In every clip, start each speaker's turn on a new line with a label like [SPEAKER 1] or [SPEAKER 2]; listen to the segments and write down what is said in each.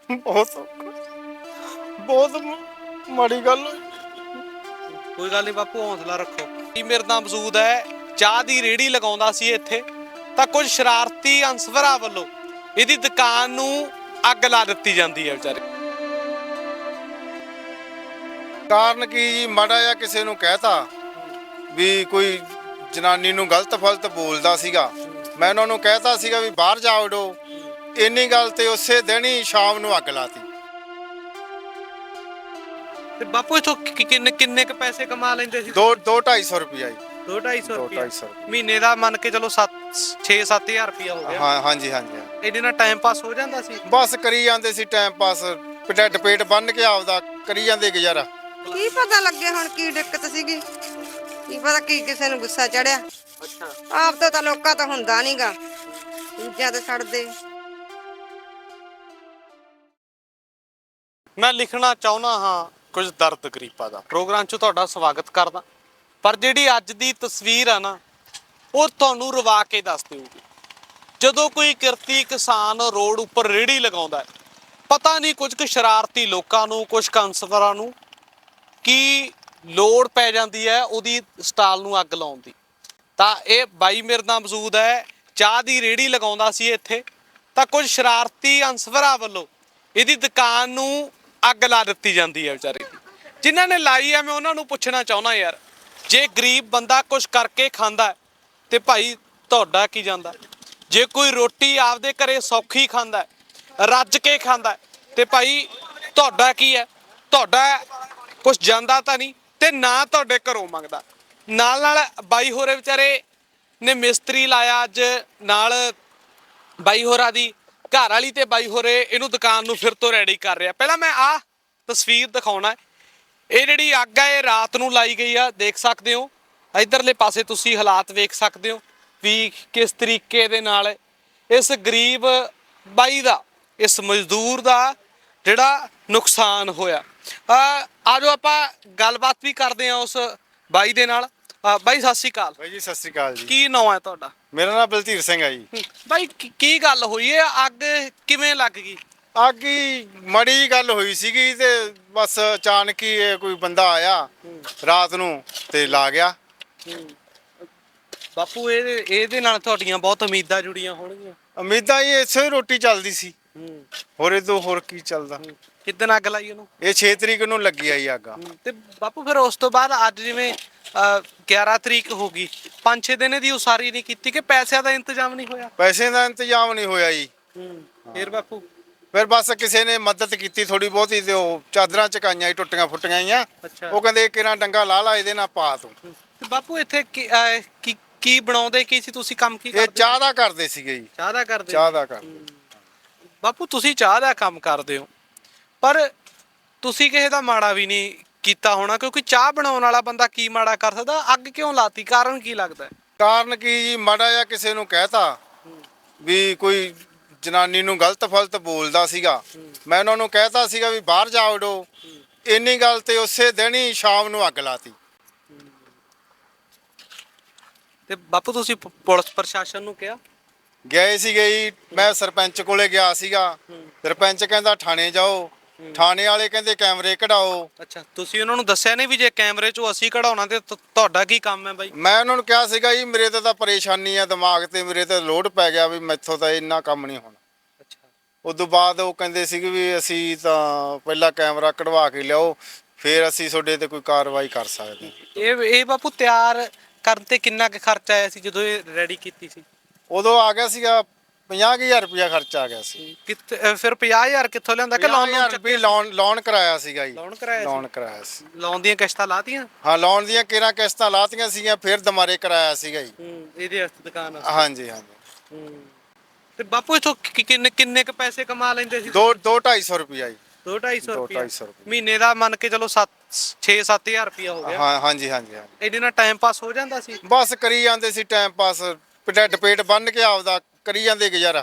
[SPEAKER 1] ਬਹੁਤ ਬਹੁਤ ਮਾੜੀ ਗੱਲ ਹੋਈ।
[SPEAKER 2] ਕੋਈ ਗੱਲ ਨਹੀਂ ਬਾਪੂ, ਹੌਸਲਾ ਰੱਖੋ। ਮੇਰੇ ਨਾਲ ਮੌਜੂਦ ਹੈ, ਚਾਹ ਦੀ ਰੇਹੜੀ ਲਗਾਉਂਦਾ ਸੀ ਇੱਥੇ, ਤਾਂ ਕੁਝ ਸ਼ਰਾਰਤੀ ਅਨਸਰਾਂ ਵੱਲੋਂ ਇਹਦੀ ਦੁਕਾਨ ਨੂੰ ਅੱਗ ਲਾ ਦਿੱਤੀ ਜਾਂਦੀ ਹੈ ਵਿਚਾਰੇ।
[SPEAKER 1] ਕਾਰਨ ਕੀ ਜੀ, ਮਾੜਾ ਜਿਹਾ ਕਿਸੇ ਨੂੰ ਕਹਿਤਾ ਵੀ ਕੋਈ ਜਨਾਨੀ ਨੂੰ ਗਲਤ ਫਲਤ ਬੋਲਦਾ ਸੀਗਾ, ਮੈਂ ਉਹਨਾਂ ਨੂੰ ਕਹਿਤਾ ਸੀਗਾ ਵੀ ਬਾਹਰ ਜਾ ਵੜੋ, ਇੰਨੀ ਗੱਲ ਤੇ ਉਸੇ ਦਿਨ ਹੀ ਸ਼ਾਮ ਨੂੰ ਅੱਗ ਲਾਤੀ।
[SPEAKER 2] ਤੇ ਬਾਪੂ ਇਥੋਂ ਕਿੰਨੇ ਕ ਪੈਸੇ ਕਮਾ ਲੈਂਦੇ ਸੀ?
[SPEAKER 1] 2-2-250 ਰੁਪਇਆ ਜੀ।
[SPEAKER 2] 2-250 ਰੁਪਇਆ
[SPEAKER 1] 2-250
[SPEAKER 2] ਮਹੀਨੇ ਦਾ, ਮੰਨ ਕੇ ਚਲੋ 6-7 ਹਜ਼ਾਰ ਰੁਪਇਆ ਹੋ ਗਿਆ।
[SPEAKER 1] ਹਾਂ, ਹਾਂਜੀ ਹਾਂਜੀ।
[SPEAKER 2] ਇਹਦੇ ਨਾਲ ਟਾਈਮ ਪਾਸ ਹੋ ਜਾਂਦਾ ਸੀ?
[SPEAKER 1] ਬਸ ਕਰੀ ਜਾਂਦੇ ਸੀ ਟਾਈਮ ਪਾਸ, ਢਿੱਡ ਪੇਟ ਬੰਨ ਕੇ ਆਪਦਾ ਕਰੀ ਜਾਂਦੇ ਗੁਜ਼ਾਰਾ।
[SPEAKER 3] ਕੀ ਪਤਾ ਲੱਗੇ ਹੁਣ ਕੀ ਦਿੱਕਤ ਸੀਗੀ, ਕੀ ਪਤਾ ਕੀ ਕਿਸੇ ਨੂੰ ਗੁੱਸਾ ਚੜਿਆ।
[SPEAKER 2] ਅੱਛਾ।
[SPEAKER 3] ਆਪ ਤੋਂ ਤਾਂ ਲੋਕਾਂ ਤੋਂ ਹੁੰਦਾ ਨਹੀਂਗਾ, ਦੂਜਿਆਂ ਤੇ ਛੱਡਦੇ।
[SPEAKER 2] ਮੈਂ ਲਿਖਣਾ ਚਾਹੁੰਦਾ ਹਾਂ ਕੁਝ ਦਰਦ ਗਰੀਬਾਂ ਦਾ। ਪ੍ਰੋਗਰਾਮ 'ਚ ਤੁਹਾਡਾ ਸਵਾਗਤ ਕਰਦਾ, ਪਰ ਜਿਹੜੀ ਅੱਜ ਦੀ ਤਸਵੀਰ ਆ ਨਾ, ਉਹ ਤੁਹਾਨੂੰ ਰਵਾ ਕੇ ਦੱਸ ਦੇਊਗੀ। ਜਦੋਂ ਕੋਈ ਕਿਰਤੀ ਕਿਸਾਨ ਰੋਡ ਉੱਪਰ ਰੇਹੜੀ ਲਗਾਉਂਦਾ ਹੈ, ਪਤਾ ਨਹੀਂ ਕੁਝ ਕੁ ਸ਼ਰਾਰਤੀ ਲੋਕਾਂ ਨੂੰ, ਕੁਝ ਅਨਸਰਾਂ ਨੂੰ ਕੀ ਲੋੜ ਪੈ ਜਾਂਦੀ ਹੈ ਉਹਦੀ ਸਟਾਲ ਨੂੰ ਅੱਗ ਲਾਉਣ ਦੀ। ਤਾਂ ਇਹ ਬਾਈ ਮੇਰੇ ਨਾਲ ਮੌਜੂਦ ਹੈ, ਚਾਹ ਦੀ ਰੇਹੜੀ ਲਗਾਉਂਦਾ ਸੀ ਇੱਥੇ, ਤਾਂ ਕੁਝ ਸ਼ਰਾਰਤੀ ਅਨਸਰਾਂ ਵੱਲੋਂ ਇਹਦੀ ਦੁਕਾਨ ਨੂੰ ਅੱਗ ਲਾ ਦਿੱਤੀ ਜਾਂਦੀ ਹੈ ਵਿਚਾਰੇ ਦੀ। ਜਿਨ੍ਹਾਂ ਨੇ ਲਾਈ ਹੈ, ਮੈਂ ਉਹਨਾਂ ਨੂੰ ਪੁੱਛਣਾ ਚਾਹੁੰਦਾ ਯਾਰ, ਜੇ ਗਰੀਬ ਬੰਦਾ ਕੁਝ ਕਰਕੇ ਖਾਂਦਾ ਤੇ ਭਾਈ ਤੁਹਾਡਾ ਕੀ ਜਾਂਦਾ? ਜੇ ਕੋਈ ਰੋਟੀ ਆਪਦੇ ਘਰੇ ਸੌਖੀ ਖਾਂਦਾ, ਰੱਜ ਕੇ ਖਾਂਦਾ, ਤੇ ਭਾਈ ਤੁਹਾਡਾ ਕੀ ਹੈ? ਤੁਹਾਡਾ ਕੁਝ ਜਾਂਦਾ ਤਾਂ ਨਹੀਂ, ਤੇ ਨਾ ਤੁਹਾਡੇ ਘਰੋਂ ਮੰਗਦਾ। ਨਾਲ ਨਾਲ ਬਾਈ ਹੋਰੇ ਵਿਚਾਰੇ ਨੇ ਮਿਸਤਰੀ ਲਾਇਆ ਅੱਜ, ਨਾਲ ਬਾਈ ਹੋਰਾਂ ਦੀ ਘਰ ਵਾਲੀ ਤੇ ਬਾਈ ਹੋਰੇ ਇਹਨੂੰ ਦੁਕਾਨ ਨੂੰ ਫਿਰ ਤੋਂ ਰੈਡੀ ਕਰ ਰਿਹਾ। ਪਹਿਲਾਂ ਮੈਂ ਆਹ ਤਸਵੀਰ ਦਿਖਾਉਣਾ। ਇਹ ਜਿਹੜੀ ਅੱਗ ਹੈ, ਇਹ ਰਾਤ ਨੂੰ ਲਾਈ ਗਈ ਆ, ਦੇਖ ਸਕਦੇ ਹੋ। ਇਧਰਲੇ ਪਾਸੇ ਤੁਸੀਂ ਹਾਲਾਤ ਵੇਖ ਸਕਦੇ ਹੋ ਵੀ ਕਿਸ ਤਰੀਕੇ ਦੇ ਨਾਲ ਇਸ ਗਰੀਬ ਬਾਈ ਦਾ, ਇਸ ਮਜ਼ਦੂਰ ਦਾ ਜਿਹੜਾ ਨੁਕਸਾਨ ਹੋਇਆ। ਆਜੋ ਆਪਾਂ ਗੱਲਬਾਤ ਵੀ ਕਰਦੇ ਹਾਂ ਉਸ ਬਾਈ ਦੇ ਨਾਲ। ਬਾਈ ਸਤਿ ਸ਼੍ਰੀ ਅਕਾਲ।
[SPEAKER 1] ਬਾਈ ਜੀ ਸਤਿ ਸ੍ਰੀ ਅਕਾਲ ਜੀ।
[SPEAKER 2] ਕੀ ਨਾਮ ਹੈ ਤੁਹਾਡਾ?
[SPEAKER 1] ਮੇਰਾ ਨਾਮ ਬਲਧੀਰ ਸਿੰਘ ਹੈ ਜੀ।
[SPEAKER 2] ਬਾਈ ਕੀ ਗੱਲ ਹੋਈ ਹੈ, ਅੱਗ ਕਿਵੇਂ ਲੱਗ ਗਈ?
[SPEAKER 1] ਅੱਗ ਹੀ ਮਾੜੀ ਜਿਹੀ ਗੱਲ ਹੋਈ ਸੀਗੀ ਤੇ ਬਸ ਅਚਾਨਕ ਹੀ ਇਹ ਕੋਈ ਬੰਦਾ ਆਇਆ ਰਾਤ ਨੂੰ ਤੇ ਲਾ ਗਿਆ।
[SPEAKER 2] ਬਾਪੂ ਇਹਦੇ ਨਾਲ ਤੁਹਾਡੀਆਂ ਬਹੁਤ ਉਮੀਦਾਂ ਜੁੜੀਆਂ ਹੋਣਗੀਆਂ।
[SPEAKER 1] ਉਮੀਦਾਂ ਹੀ ਇਸੇ ਹੀ ਰੋਟੀ ਚੱਲਦੀ ਸੀ, ਹੋਰ ਇਹ ਤੋਂ ਹੋਰ ਕੀ ਚੱਲਦਾ।
[SPEAKER 2] ਕਿੱਦਣ ਅੱਗ ਲਾਈ ਉਹਨੂੰ?
[SPEAKER 1] ਇਹ 6 ਤਰੀਕ ਨੂੰ ਲੱਗੀ ਆਈ ਅੱਗ।
[SPEAKER 2] ਤੇ ਬਾਪੂ ਫਿਰ ਉਸ ਤੋਂ ਬਾਅਦ ਅੱਜ ਜਿਵੇਂ 11 ਤਰੀਕ ਹੋ ਗਈ, 5-6 ਦਿਨ ਦੀ ਉਸਾਰੀ ਨਹੀਂ ਕੀਤੀ ਕਿ ਪੈਸਿਆਂ ਦਾ ਇੰਤਜ਼ਾਮ ਨਹੀਂ ਹੋਇਆ?
[SPEAKER 1] ਪੈਸੇ ਦਾ ਇੰਤਜ਼ਾਮ ਨਹੀਂ ਹੋਇਆ ਜੀ।
[SPEAKER 2] ਫਿਰ ਬਾਪੂ
[SPEAKER 1] ਫਿਰ ਬਸ ਕਿਸੇ ਨੇ ਮਦਦ ਕੀਤੀ ਥੋੜੀ ਬਹੁਤੀ, ਤੇ ਉਹ ਚਾਦਰਾਂ ਚਕਾਈਆਂ ਟੁੱਟੀਆਂ ਫੁੱਟੀਆਂ ਹੀ ਆ।
[SPEAKER 2] ਅੱਛਾ।
[SPEAKER 1] ਉਹ ਕਹਿੰਦੇ ਕਿਹੜਾ ਡੰਗਾ ਲਾ ਲਾ ਇਹਦੇ ਨਾਲ ਪਾ ਤੂੰ।
[SPEAKER 2] ਤੇ ਬਾਪੂ ਇੱਥੇ ਕੀ ਬਣਾਉਂਦੇ ਕੀ ਸੀ ਤੁਸੀਂ? ਕੰਮ ਕੀ
[SPEAKER 1] ਇਹ
[SPEAKER 2] ਕਰਦੇ?
[SPEAKER 1] ਚਾਹ ਦਾ ਕਰਦੇ ਸੀਗੇ ਜੀ।
[SPEAKER 2] ਚਾਹ ਦਾ ਕਰਦੇ?
[SPEAKER 1] ਚਾਹ ਦਾ ਕਰਦੇ।
[SPEAKER 2] ਬਾਪੂ ਤੁਸੀਂ ਚਾਹ ਦਾ ਕੰਮ ਕਰਦੇ ਹੋ, ਪਰ ਤੁਸੀਂ ਕਿਸੇ ਦਾ ਮਾੜਾ ਵੀ ਨਹੀਂ ਕੀਤਾ ਹੋਣਾ, ਕਿਉਂਕਿ ਚਾਹ ਬਣਾਉਣ ਵਾਲਾ ਬੰਦਾ ਕੀ ਮਾੜਾ ਕਰ ਸਕਦਾ? ਅੱਗ ਕਿਉਂ ਲਾਤੀ? ਕਾਰਨ ਕੀ ਲੱਗਦਾ?
[SPEAKER 1] ਕਾਰਨ ਕੀ ਜੀ, ਮਾੜਾ ਜਿਹਾ ਕਿਸੇ ਨੂੰ ਕਹਿਤਾ ਵੀ ਕੋਈ ਜਨਾਨੀ ਨੂੰ ਗਲਤ ਫਲਤ ਬੋਲਦਾ ਸੀਗਾ, ਮੈਂ ਉਹਨਾਂ ਨੂੰ ਕਹਿਤਾ ਸੀਗਾ ਵੀ ਬਾਹਰ ਜਾ ਵੜੋ, ਇੰਨੀ ਗੱਲ ਤੇ ਉਸੇ ਦਿਨ ਹੀ ਸ਼ਾਮ ਨੂੰ ਅੱਗ ਲਾਤੀ।
[SPEAKER 2] ਤੇ ਬਾਪੂ ਤੁਸੀਂ ਪੁਲਿਸ ਪ੍ਰਸ਼ਾਸਨ ਨੂੰ ਕਿਹਾ?
[SPEAKER 1] ਗਏ ਸੀਗੇ ਜੀ, ਮੈਂ ਸਰਪੰਚ ਕੋਲੇ ਗਿਆ ਸੀਗਾ। ਸਰਪੰਚ ਕਹਿੰਦਾ ਥਾਣੇ ਜਾਓ, ਥਾਣੇ ਵਾਲੇ ਕਹਿੰਦੇ ਕੈਮਰੇ ਕਢਾਓ।
[SPEAKER 2] ਅੱਛਾ, ਤੁਸੀਂ ਉਹਨਾਂ ਨੂੰ ਦੱਸਿਆ ਨਹੀਂ ਵੀ ਜੇ ਕੈਮਰੇ ਚੋਂ ਅਸੀਂ ਕਢਾਉਣਾ ਤੇ ਤੁਹਾਡਾ ਕੀ ਕੰਮ ਹੈ ਬਾਈ?
[SPEAKER 1] ਮੈਂ ਉਹਨਾਂ ਨੂੰ ਕਿਹਾ ਸੀਗਾ ਜੀ ਮੇਰੇ ਤੇ ਤਾਂ ਪਰੇਸ਼ਾਨੀ ਆ, ਦਿਮਾਗ ਤੇ ਮੇਰੇ ਤੇ ਲੋਡ ਪੈ ਗਿਆ ਵੀ ਮੈਥੋਂ ਤਾਂ ਇੰਨਾ ਕੰਮ ਨਹੀਂ ਹੋਣਾ।
[SPEAKER 2] ਅੱਛਾ।
[SPEAKER 1] ਉਦੋਂ ਬਾਅਦ ਉਹ ਕਹਿੰਦੇ ਸੀਗੇ ਵੀ ਅਸੀਂ ਤਾਂ ਪਹਿਲਾਂ ਕੈਮਰਾ ਕਢਵਾ ਕੇ ਲਿਆਓ, ਫਿਰ ਅਸੀਂ ਤੁਹਾਡੇ ਤੇ ਕੋਈ ਕਾਰਵਾਈ ਕਰ ਸਕਦੇ।
[SPEAKER 2] ਇਹ ਬਾਪੂ ਤਿਆਰ ਕਰਨ ਤੇ ਕਿੰਨਾ ਕੁ ਖਰਚਾ ਆਇਆ ਸੀ ਜਦੋਂ ਇਹ ਰੈਡੀ ਕੀਤੀ ਸੀ?
[SPEAKER 1] ਉਦੋਂ ਆ ਗਿਆ ਸੀਗਾ 50,000 ਰੁਪਇਆ ਖਰਚਾ ਆ ਗਿਆ ਸੀ।
[SPEAKER 2] ਫਿਰ 50,000 ਕਿੱਥੋਂ ਲਿਆਂਦਾ ਕਿ
[SPEAKER 1] ਲੋਨ ਕਰਾਇਆ ਸੀਗਾ ਜੀ।
[SPEAKER 2] ਲੋਨ
[SPEAKER 1] ਕਰਾਇਆ ਸੀ।
[SPEAKER 2] ਲੋਨ ਦੀਆਂ ਕਿਸ਼ਤਾਂ ਲਾਤੀਆਂ?
[SPEAKER 1] ਹਾਂ, ਲੋਨ ਦੀਆਂ ਕਿਹੜਾ ਕਿਸ਼ਤਾਂ ਲਾਤੀਆਂ ਸੀਗੀਆਂ, ਫਿਰ ਦੁਬਾਰੇ ਕਰਾਇਆ ਸੀਗਾ ਜੀ।
[SPEAKER 2] ਇਹਦੇ ਵਾਸਤੇ ਦੁਕਾਨ?
[SPEAKER 1] ਹਾਂਜੀ ਹਾਂਜੀ।
[SPEAKER 2] ਤੇ ਬਾਪੂ ਇਥੋਂ ਕਿੰਨੇ ਕ ਪੈਸੇ ਕਮਾ ਲੈਂਦੇ ਸੀ?
[SPEAKER 1] 2-250 ਰੁਪਇਆ ਜੀ।
[SPEAKER 2] 2-250 ਰੁਪਇਆ
[SPEAKER 1] 2-250
[SPEAKER 2] ਮਹੀਨੇ ਦਾ, ਮੰਨ ਕੇ ਚਲੋ 6-7 ਹਜ਼ਾਰ ਰੁਪਇਆ ਹੋ ਗਿਆ।
[SPEAKER 1] ਹਾਂ, ਹਾਂਜੀ ਹਾਂਜੀ।
[SPEAKER 2] ਇਹਦੇ ਨਾਲ ਟਾਈਮ ਪਾਸ ਹੋ ਜਾਂਦਾ ਸੀ?
[SPEAKER 1] ਬਸ ਕਰੀ ਜਾਂਦੇ ਸੀ ਟਾਈਮ ਪਾਸ, ਢਿੱਡ ਪੇਟ ਬੰਨ ਕੇ ਆਪਦਾ ਕਰੀ ਜਾਂਦੇ ਗੁਜ਼ਾਰਾ।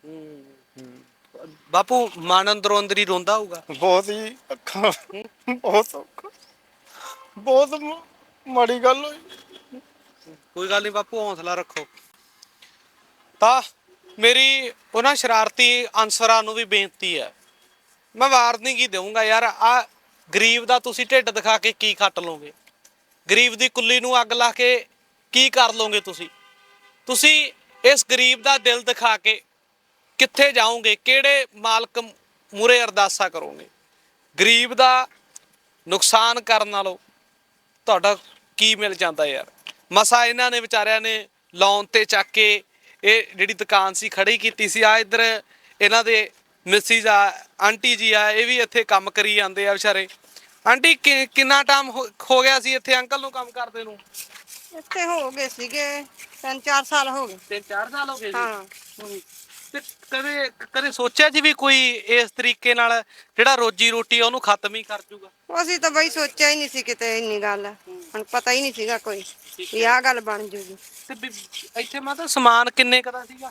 [SPEAKER 2] ਬਾਪੂ ਮਨ ਅੰਦਰੋਂ ਅੰਦਰ ਹੀ ਰੋਂਦਾ ਹੋਊਗਾ?
[SPEAKER 1] ਬਹੁਤ ਜੀ, ਅੱਖਾਂ ਬਹੁਤ ਔਖਾ, ਬਹੁਤ ਮਾੜੀ ਗੱਲ ਹੋਈ।
[SPEAKER 2] ਕੋਈ ਗੱਲ ਨਹੀਂ ਬਾਪੂ, ਹੌਸਲਾ ਰੱਖੋ। ਤਾਂ ਮੇਰੀ ਉਹਨਾਂ ਸ਼ਰਾਰਤੀ ਅਨਸਰਾਂ ਨੂੰ ਵੀ ਬੇਨਤੀ ਹੈ ਮੈਂ ਵਾਰਨਿੰਗ ਹੀ ਦੇਵਾਂਗਾ ਯਾਰ, ਆ ਗਰੀਬ ਦਾ ਤੁਸੀਂ ਢਿੱਡ ਦਿਖਾ ਕੇ ਕੀ ਖੱਟ ਲਓਗੇ? ਗਰੀਬ ਦੀ ਕੁੱਲੀ ਨੂੰ ਅੱਗ ਲਾ ਕੇ ਕੀ ਕਰ ਲਓਗੇ ਤੁਸੀਂ? ਤੁਸੀਂ ਇਸ ਗਰੀਬ ਦਾ ਦਿਲ ਦਿਖਾ ਕੇ ਕਿੱਥੇ ਜਾਓਗੇ? ਕਿਹੜੇ ਮਾਲਕ ਮੂਹਰੇ ਅਰਦਾਸਾ ਕਰੋਗੇ? ਗਰੀਬ ਦਾ ਨੁਕਸਾਨ ਕਰਨ ਨਾਲੋਂ ਤੁਹਾਡਾ ਕੀ ਮਿਲ ਜਾਂਦਾ ਯਾਰ? ਮਸਾ ਇਹਨਾਂ ਨੇ ਵਿਚਾਰਿਆਂ ਨੇ ਲੋਨ ਤੇ ਚੱਕ ਕੇ ਇਹ ਜਿਹੜੀ ਦੁਕਾਨ ਸੀ ਖੜੀ ਕੀਤੀ ਸੀ। ਆ ਇੱਧਰ ਇਹਨਾਂ ਦੇ ਮਿਸਿਸ ਆ, ਆਂਟੀ ਜੀ ਆ, ਇਹ ਵੀ ਇੱਥੇ ਕੰਮ ਕਰੀ ਜਾਂਦੇ ਆ ਵਿਚਾਰੇ। ਆਂਟੀ ਕਿੰਨਾ ਟਾਈਮ ਹੋ ਗਿਆ ਸੀ ਇੱਥੇ ਅੰਕਲ ਨੂੰ ਕੰਮ ਕਰਦੇ ਨੂੰ?
[SPEAKER 3] ਇੱਥੇ ਹੋ ਗਏ ਸੀਗੇ 3-4 ਸਾਲ ਹੋ ਗਏ।
[SPEAKER 2] 3-4 ਸਾਲ ਹੋ ਗਏ ਜੀ।
[SPEAKER 3] ਹਾਂ।
[SPEAKER 2] ਤੇ ਕਦੇ ਕਦੇ ਸੋਚਿਆ ਜੀ ਵੀ ਕੋਈ ਇਸ ਤਰੀਕੇ ਨਾਲ ਜਿਹੜਾ ਰੋਜੀ ਰੋਟੀ ਆ ਉਹਨੂੰ ਖਤਮ ਹੀ ਕਰ ਜੂਗਾ?
[SPEAKER 3] ਅਸੀਂ ਤਾਂ ਬਈ ਸੋਚਿਆ ਹੀ ਨਹੀਂ ਸੀ ਕਿਤੇ ਇੰਨੀ ਗੱਲ, ਹੁਣ ਪਤਾ ਹੀ ਨਹੀਂ ਸੀਗਾ ਕੋਈ ਵੀ ਆਹ ਗੱਲ ਬਣ ਜੂਗੀ।
[SPEAKER 2] ਤੇ ਇੱਥੇ ਮਤਲਬ ਸਮਾਨ ਕਿੰਨੇ ਕਦਾ ਸੀਗਾ?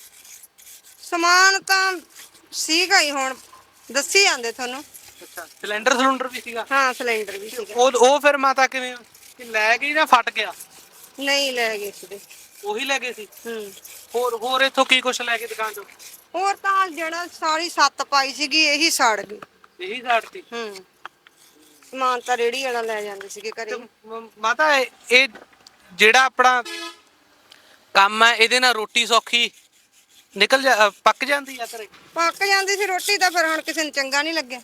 [SPEAKER 3] ਸਮਾਨ ਤਾਂ ਸੀਗਾ ਹੀ, ਹੁਣ ਦੱਸੀ ਜਾਂਦੇ ਤੁਹਾਨੂੰ।
[SPEAKER 2] ਅੱਛਾ, ਸਿਲੰਡਰ ਵੀ ਸੀਗਾ?
[SPEAKER 3] ਹਾਂ, ਸਿਲੰਡਰ ਵੀ ਸੀਗਾ।
[SPEAKER 2] ਉਹ ਫਿਰ ਮਾਤਾ ਕਿਵੇਂ ਕਿ ਲੈ ਗਈ ਜਾਂ ਫਟ ਗਿਆ?
[SPEAKER 3] ਨਹੀਂ ਲੈ ਗਏ ਸੀਗੇ।
[SPEAKER 2] ਉਹੀ ਲੈ ਗਏ ਸੀ?
[SPEAKER 3] ਹੂੰ।
[SPEAKER 2] ਹੋਰ ਇੱਥੋਂ ਕੀ ਕੁਛ ਲੈ ਕੇ ਦੁਕਾਨ ਚੋਂ?
[SPEAKER 3] ਹੋਰ ਤਾਂ ਜਿਹੜਾ ਸਾਰੀ ਸੱਤ ਪਾਈ ਸੀਗੀ ਇਹੀ ਸੜ ਗਈ।
[SPEAKER 2] ਇਹੀ ਸਾੜਤੀ?
[SPEAKER 3] ਹੂੰ। ਸਮਾਨ ਤਾਂ ਰੇੜੀ ਵਾਲਾ ਲੈ ਜਾਂਦੇ ਸੀਗੇ ਘਰੇ।
[SPEAKER 2] ਮਾਤਾ ਇਹ ਜਿਹੜਾ ਆਪਣਾ ਕੰਮ ਹੈ ਇਹਦੇ ਨਾਲ ਰੋਟੀ ਸੌਖੀ ਪੱਕ ਜਾਂਦੀ ਆ ਘਰੇ?
[SPEAKER 3] ਪੱਕ ਜਾਂਦੀ ਸੀ ਰੋਟੀ ਤਾਂ, ਫਿਰ ਹੁਣ ਕਿਸੇ ਨੂੰ ਚੰਗਾ ਨਹੀਂ ਲੱਗਿਆ।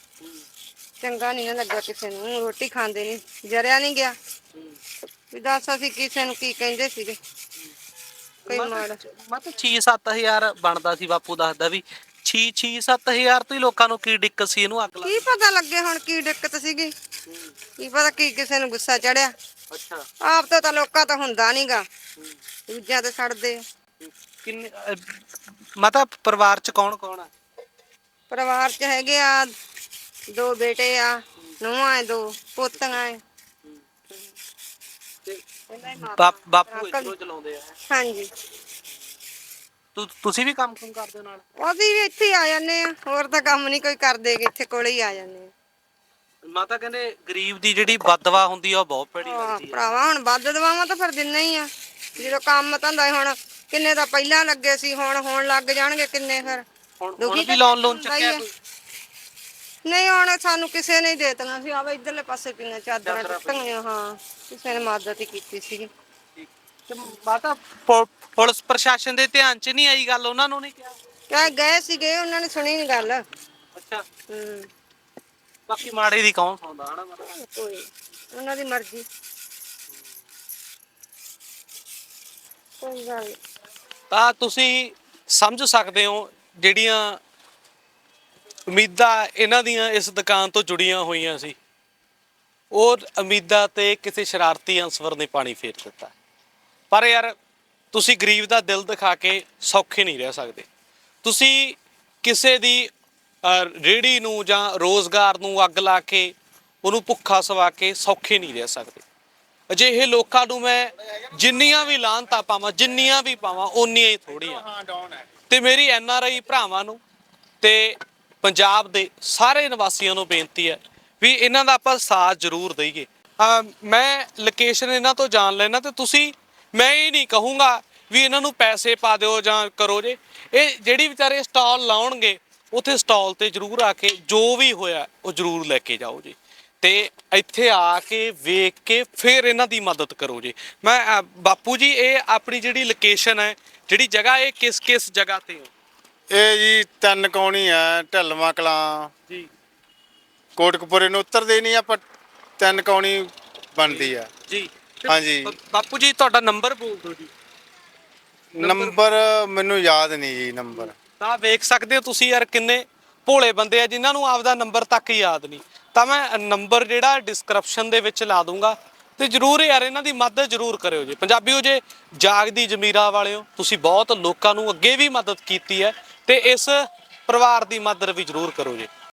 [SPEAKER 3] ਚੰਗਾ ਨਹੀਂ ਨਾ ਲੱਗਾ ਕਿਸੇ ਨੂੰ, ਰੋਟੀ ਖਾਂਦੇ ਨਹੀਂ, ਜਰਿਆ ਨਹੀਂ ਗਿਆ ਵੀ ਦੱਸ ਅਸੀਂ ਕਿਸੇ ਨੂੰ ਕੀ ਕਹਿੰਦੇ ਸੀਗੇ। ਕੋਈ ਮਾੜਾ
[SPEAKER 2] ਮਤਲਬ 6-7 ਹਜ਼ਾਰ ਬਣਦਾ ਸੀ, ਬਾਪੂ ਦੱਸਦਾ ਵੀ 6-7 ਹਜ਼ਾਰ ਤੋਂ ਹੀ ਲੋਕਾਂ ਨੂੰ ਕੀ ਦਿੱਕਤ ਸੀ ਇਹਨੂੰ ਅੱਗ ਲਾ?
[SPEAKER 3] ਕੀ ਪਤਾ ਲੱਗੇ ਹੁਣ ਕੀ ਦਿੱਕਤ ਸੀਗੀ, ਕੀ ਪਤਾ ਕੀ ਕਿਸੇ ਨੂੰ ਗੁੱਸਾ ਚੜਿਆ।
[SPEAKER 2] ਅੱਛਾ।
[SPEAKER 3] ਆਪ ਤੋਂ ਤਾਂ ਲੋਕਾਂ ਤੋਂ ਹੁੰਦਾ ਨਹੀਂਗਾ, ਦੂਜਿਆਂ ਤੇ ਛੱਡਦੇ ਆ।
[SPEAKER 2] ਕਿੰਨੇ ਮਾਤਾ ਪਰਿਵਾਰ ਚ ਕੌਣ ਕੌਣ ਆ?
[SPEAKER 3] ਪਰਿਵਾਰ ਚ ਹੈਗੇ ਆ 2 ਬੇਟੇ ਆ, ਨੂੰਹਾਂ ਐ, 2 ਪੋਤੀਆਂ ਐ।
[SPEAKER 2] ਬਾਪੂ ਇੱਧਰੋਂ ਚਲਾਉਂਦੇ ਆ?
[SPEAKER 3] ਹਾਂਜੀ।
[SPEAKER 2] ਤੁਸੀਂ ਵੀ ਕੰਮ ਕਰਦੇ ਨਾਲ?
[SPEAKER 3] ਅਸੀਂ ਵੀ ਇੱਥੇ ਹੀ ਆ ਜਾਂਦੇ ਆ, ਹੋਰ ਤਾਂ ਕੰਮ ਨਹੀਂ ਕੋਈ ਕਰਦੇ, ਇੱਥੇ ਕੋਲੇ ਹੀ ਆ ਜਾਂਦੇ ਆ।
[SPEAKER 2] ਮਾਤਾ ਕਹਿੰਦੇ ਗਰੀਬ ਦੀ ਜਿਹੜੀ ਬਦਦੁਆ ਹੁੰਦੀ ਆ ਉਹ ਬਹੁਤ ਭੈੜੀ
[SPEAKER 3] ਹਾਂ
[SPEAKER 2] ਲੱਗਦੀ ਆ।
[SPEAKER 3] ਭਰਾਵਾ, ਹੁਣ ਵੱਧ ਦਵਾਵਾਂ ਤਾਂ ਫਿਰ ਦਿੰਨੇ ਹੀ ਆ। ਜਦੋਂ ਕੰਮ ਧੰਦਾ ਹੁਣ ਕਿੰਨੇ ਤਾਂ ਪਹਿਲਾਂ ਲੱਗੇ ਸੀ, ਹੁਣ ਹੋਣ ਲੱਗ ਜਾਣਗੇ ਕਿੰਨੇ। ਫਿਰ
[SPEAKER 2] ਹੁਣ ਵੀ ਲੋਨ ਚੱਕਿਆ ਕੋਈ?
[SPEAKER 3] ਨਹੀਂ, ਹੁਣ ਸਾਨੂੰ ਕਿਸੇ ਨੇ ਦੇ ਦਿੱਤੀਆਂ ਸੀ। ਆਵੇ ਇਧਰਲੇ ਪਾਸੇ ਪਈਆਂ ਚਾਦਰਾਂ ਟੁੱਟੀਆਂ। ਹਾਂ, ਕਿਸੇ ਨੇ ਮਦਦ ਹੀ ਕੀਤੀ ਸੀ।
[SPEAKER 2] ਤੇ ਮਾਤਾ ਪੁਲਿਸ ਪ੍ਰਸ਼ਾਸਨ ਦੇ ਧਿਆਨ ਚ ਨਹੀਂ ਆਈ ਗੱਲ? ਉਹਨਾਂ ਨੂੰ ਨਹੀਂ ਕਿਹਾ?
[SPEAKER 3] ਕਹਿ ਗਏ ਸੀਗੇ, ਉਹਨਾਂ ਨੇ ਸੁਣੀ ਨਹੀਂ ਗੱਲ।
[SPEAKER 2] ਅੱਛਾ।
[SPEAKER 3] ਹੂੰ।
[SPEAKER 2] ਬਾਕੀ ਮਾੜੇ ਦੀ ਕੌਣ ਸੁਣਦਾ ਹਨਾ ਮਾਤਾ?
[SPEAKER 3] ਕੋਈ ਉਹਨਾਂ ਦੀ ਮਰਜ਼ੀ, ਕੋਈ ਗੱਲ ਨੀ।
[SPEAKER 2] ਤਾਂ ਤੁਸੀਂ ਸਮਝ ਸਕਦੇ ਹੋ ਜਿਹੜੀਆਂ ਉਮੀਦਾਂ ਇਹਨਾਂ ਦੀਆਂ ਇਸ ਦੁਕਾਨ ਤੋਂ ਜੁੜੀਆਂ ਹੋਈਆਂ ਸੀ, ਉਹ ਉਮੀਦਾਂ ਤੇ ਕਿਸੇ ਸ਼ਰਾਰਤੀ ਅਨਸਰ ਨੇ ਪਾਣੀ ਫੇਰ ਦਿੱਤਾ। ਪਰ ਯਾਰ ਤੁਸੀਂ ਗਰੀਬ ਦਾ ਦਿਲ ਦਿਖਾ ਕੇ ਸੌਖੇ ਨਹੀਂ ਰਹਿ ਸਕਦੇ। ਤੁਸੀਂ ਕਿਸੇ ਦੀ ਰੇੜੀ ਨੂੰ ਜਾਂ ਰੋਜ਼ਗਾਰ ਨੂੰ ਅੱਗ ਲਾ ਕੇ ਉਹਨੂੰ ਭੁੱਖਾ ਸਵਾ ਕੇ ਸੌਖੇ ਨਹੀਂ ਰਹਿ ਸਕਦੇ। ਅਜਿਹੇ ਲੋਕਾਂ ਨੂੰ ਮੈਂ ਜਿੰਨੀਆਂ ਵੀ ਲਾਹਨਤਾਂ ਪਾਵਾਂ, ਜਿੰਨੀਆਂ ਵੀ ਪਾਵਾਂ ਓਨੀਆਂ ਹੀ ਥੋੜ੍ਹੀਆਂ। ਤੇ ਮੇਰੀ NRI ਭਰਾਵਾਂ ਨੂੰ ਤੇ ਪੰਜਾਬ ਦੇ ਸਾਰੇ ਨਿਵਾਸੀਆਂ ਨੂੰ ਬੇਨਤੀ ਹੈ ਵੀ ਇਹਨਾਂ ਦਾ ਆਪਾਂ ਸਾਥ ਜ਼ਰੂਰ ਦਈਏ। ਮੈਂ ਲੋਕੇਸ਼ਨ ਇਹਨਾਂ ਤੋਂ ਜਾਣ ਲੈਣਾ, ਤੇ ਤੁਸੀਂ, ਮੈਂ ਇਹ ਨਹੀਂ ਕਹੂੰਗਾ ਵੀ ਇਹਨਾਂ ਨੂੰ ਪੈਸੇ ਪਾ ਦਿਓ ਜਾਂ ਕਰੋ ਜੇ। ਇਹ ਜਿਹੜੀ ਵਿਚਾਰੇ ਸਟਾਲ ਲਾਉਣਗੇ ਉੱਥੇ ਸਟਾਲ ਤੇ ਜ਼ਰੂਰ ਆ ਕੇ ਜੋ ਵੀ ਹੋਇਆ ਉਹ ਜ਼ਰੂਰ ਲੈ ਕੇ ਜਾਓ ਜੀ, ਤੇ ਇੱਥੇ ਆ ਕੇ ਵੇਖ ਕੇ ਫਿਰ ਇਹਨਾਂ ਦੀ ਮਦਦ ਕਰੋ ਜੀ। ਮੈਂ ਬਾਪੂ ਜੀ, ਇਹ ਆਪਣੀ ਜਿਹੜੀ ਲੋਕੇਸ਼ਨ ਹੈ, ਜਿਹੜੀ ਜਗ੍ਹਾ, ਇਹ ਕਿਸ ਜਗ੍ਹਾ ਤੇ ਹੋ?
[SPEAKER 1] ਇਹ ਜੀ 3 ਕੌਣੀ ਆ, ਢਲਵਾਂ ਕਲਾਂ
[SPEAKER 2] ਜੀ।
[SPEAKER 1] ਕੋਟਕਪੁਰੇ ਨੂੰ ਉਤਰਦੇ ਨਹੀਂ ਆਪਾਂ, 3 ਕੌਣੀ ਬਣਦੀ ਆ
[SPEAKER 2] ਜੀ।
[SPEAKER 1] ਹਾਂਜੀ।
[SPEAKER 2] ਬਾਪੂ ਜੀ ਤੁਹਾਡਾ ਨੰਬਰ ਬੋਲ ਦਿਓ ਜੀ।
[SPEAKER 1] ਨੰਬਰ ਮੈਨੂੰ ਯਾਦ ਨਹੀਂ ਜੀ ਨੰਬਰ।
[SPEAKER 2] ਤਾਂ ਵੇਖ ਸਕਦੇ ਹੋ ਤੁਸੀਂ ਯਾਰ ਕਿੰਨੇ ਭੋਲੇ ਬੰਦੇ ਆ ਜਿਨ੍ਹਾਂ ਨੂੰ ਆਪਦਾ ਨੰਬਰ ਤੱਕ ਯਾਦ ਨਹੀਂ। ਤਾਂ ਮੈਂ ਨੰਬਰ ਜਿਹੜਾ ਡਿਸਕ੍ਰਿਪਸ਼ਨ ਦੇ ਵਿੱਚ ਲਾ ਦੂੰਗਾ, ਤੇ ਜਰੂਰ ਯਾਰ ਇਹਨਾਂ ਦੀ ਮਦਦ ਜਰੂਰ ਕਰਿਓ ਜੀ। ਪੰਜਾਬੀਓ, ਜੇ ਜਾਗਦੀ ਜ਼ਮੀਰਾਂ ਵਾਲਿਓ, ਤੁਸੀਂ ਬਹੁਤ ਲੋਕਾਂ ਨੂੰ ਅੱਗੇ ਵੀ ਮਦਦ ਕੀਤੀ ਹੈ, ਤੇ ਇਸ ਪਰਿਵਾਰ ਦੀ ਮਦਦ ਵੀ ਜਰੂਰ ਕਰੋ ਜੀ।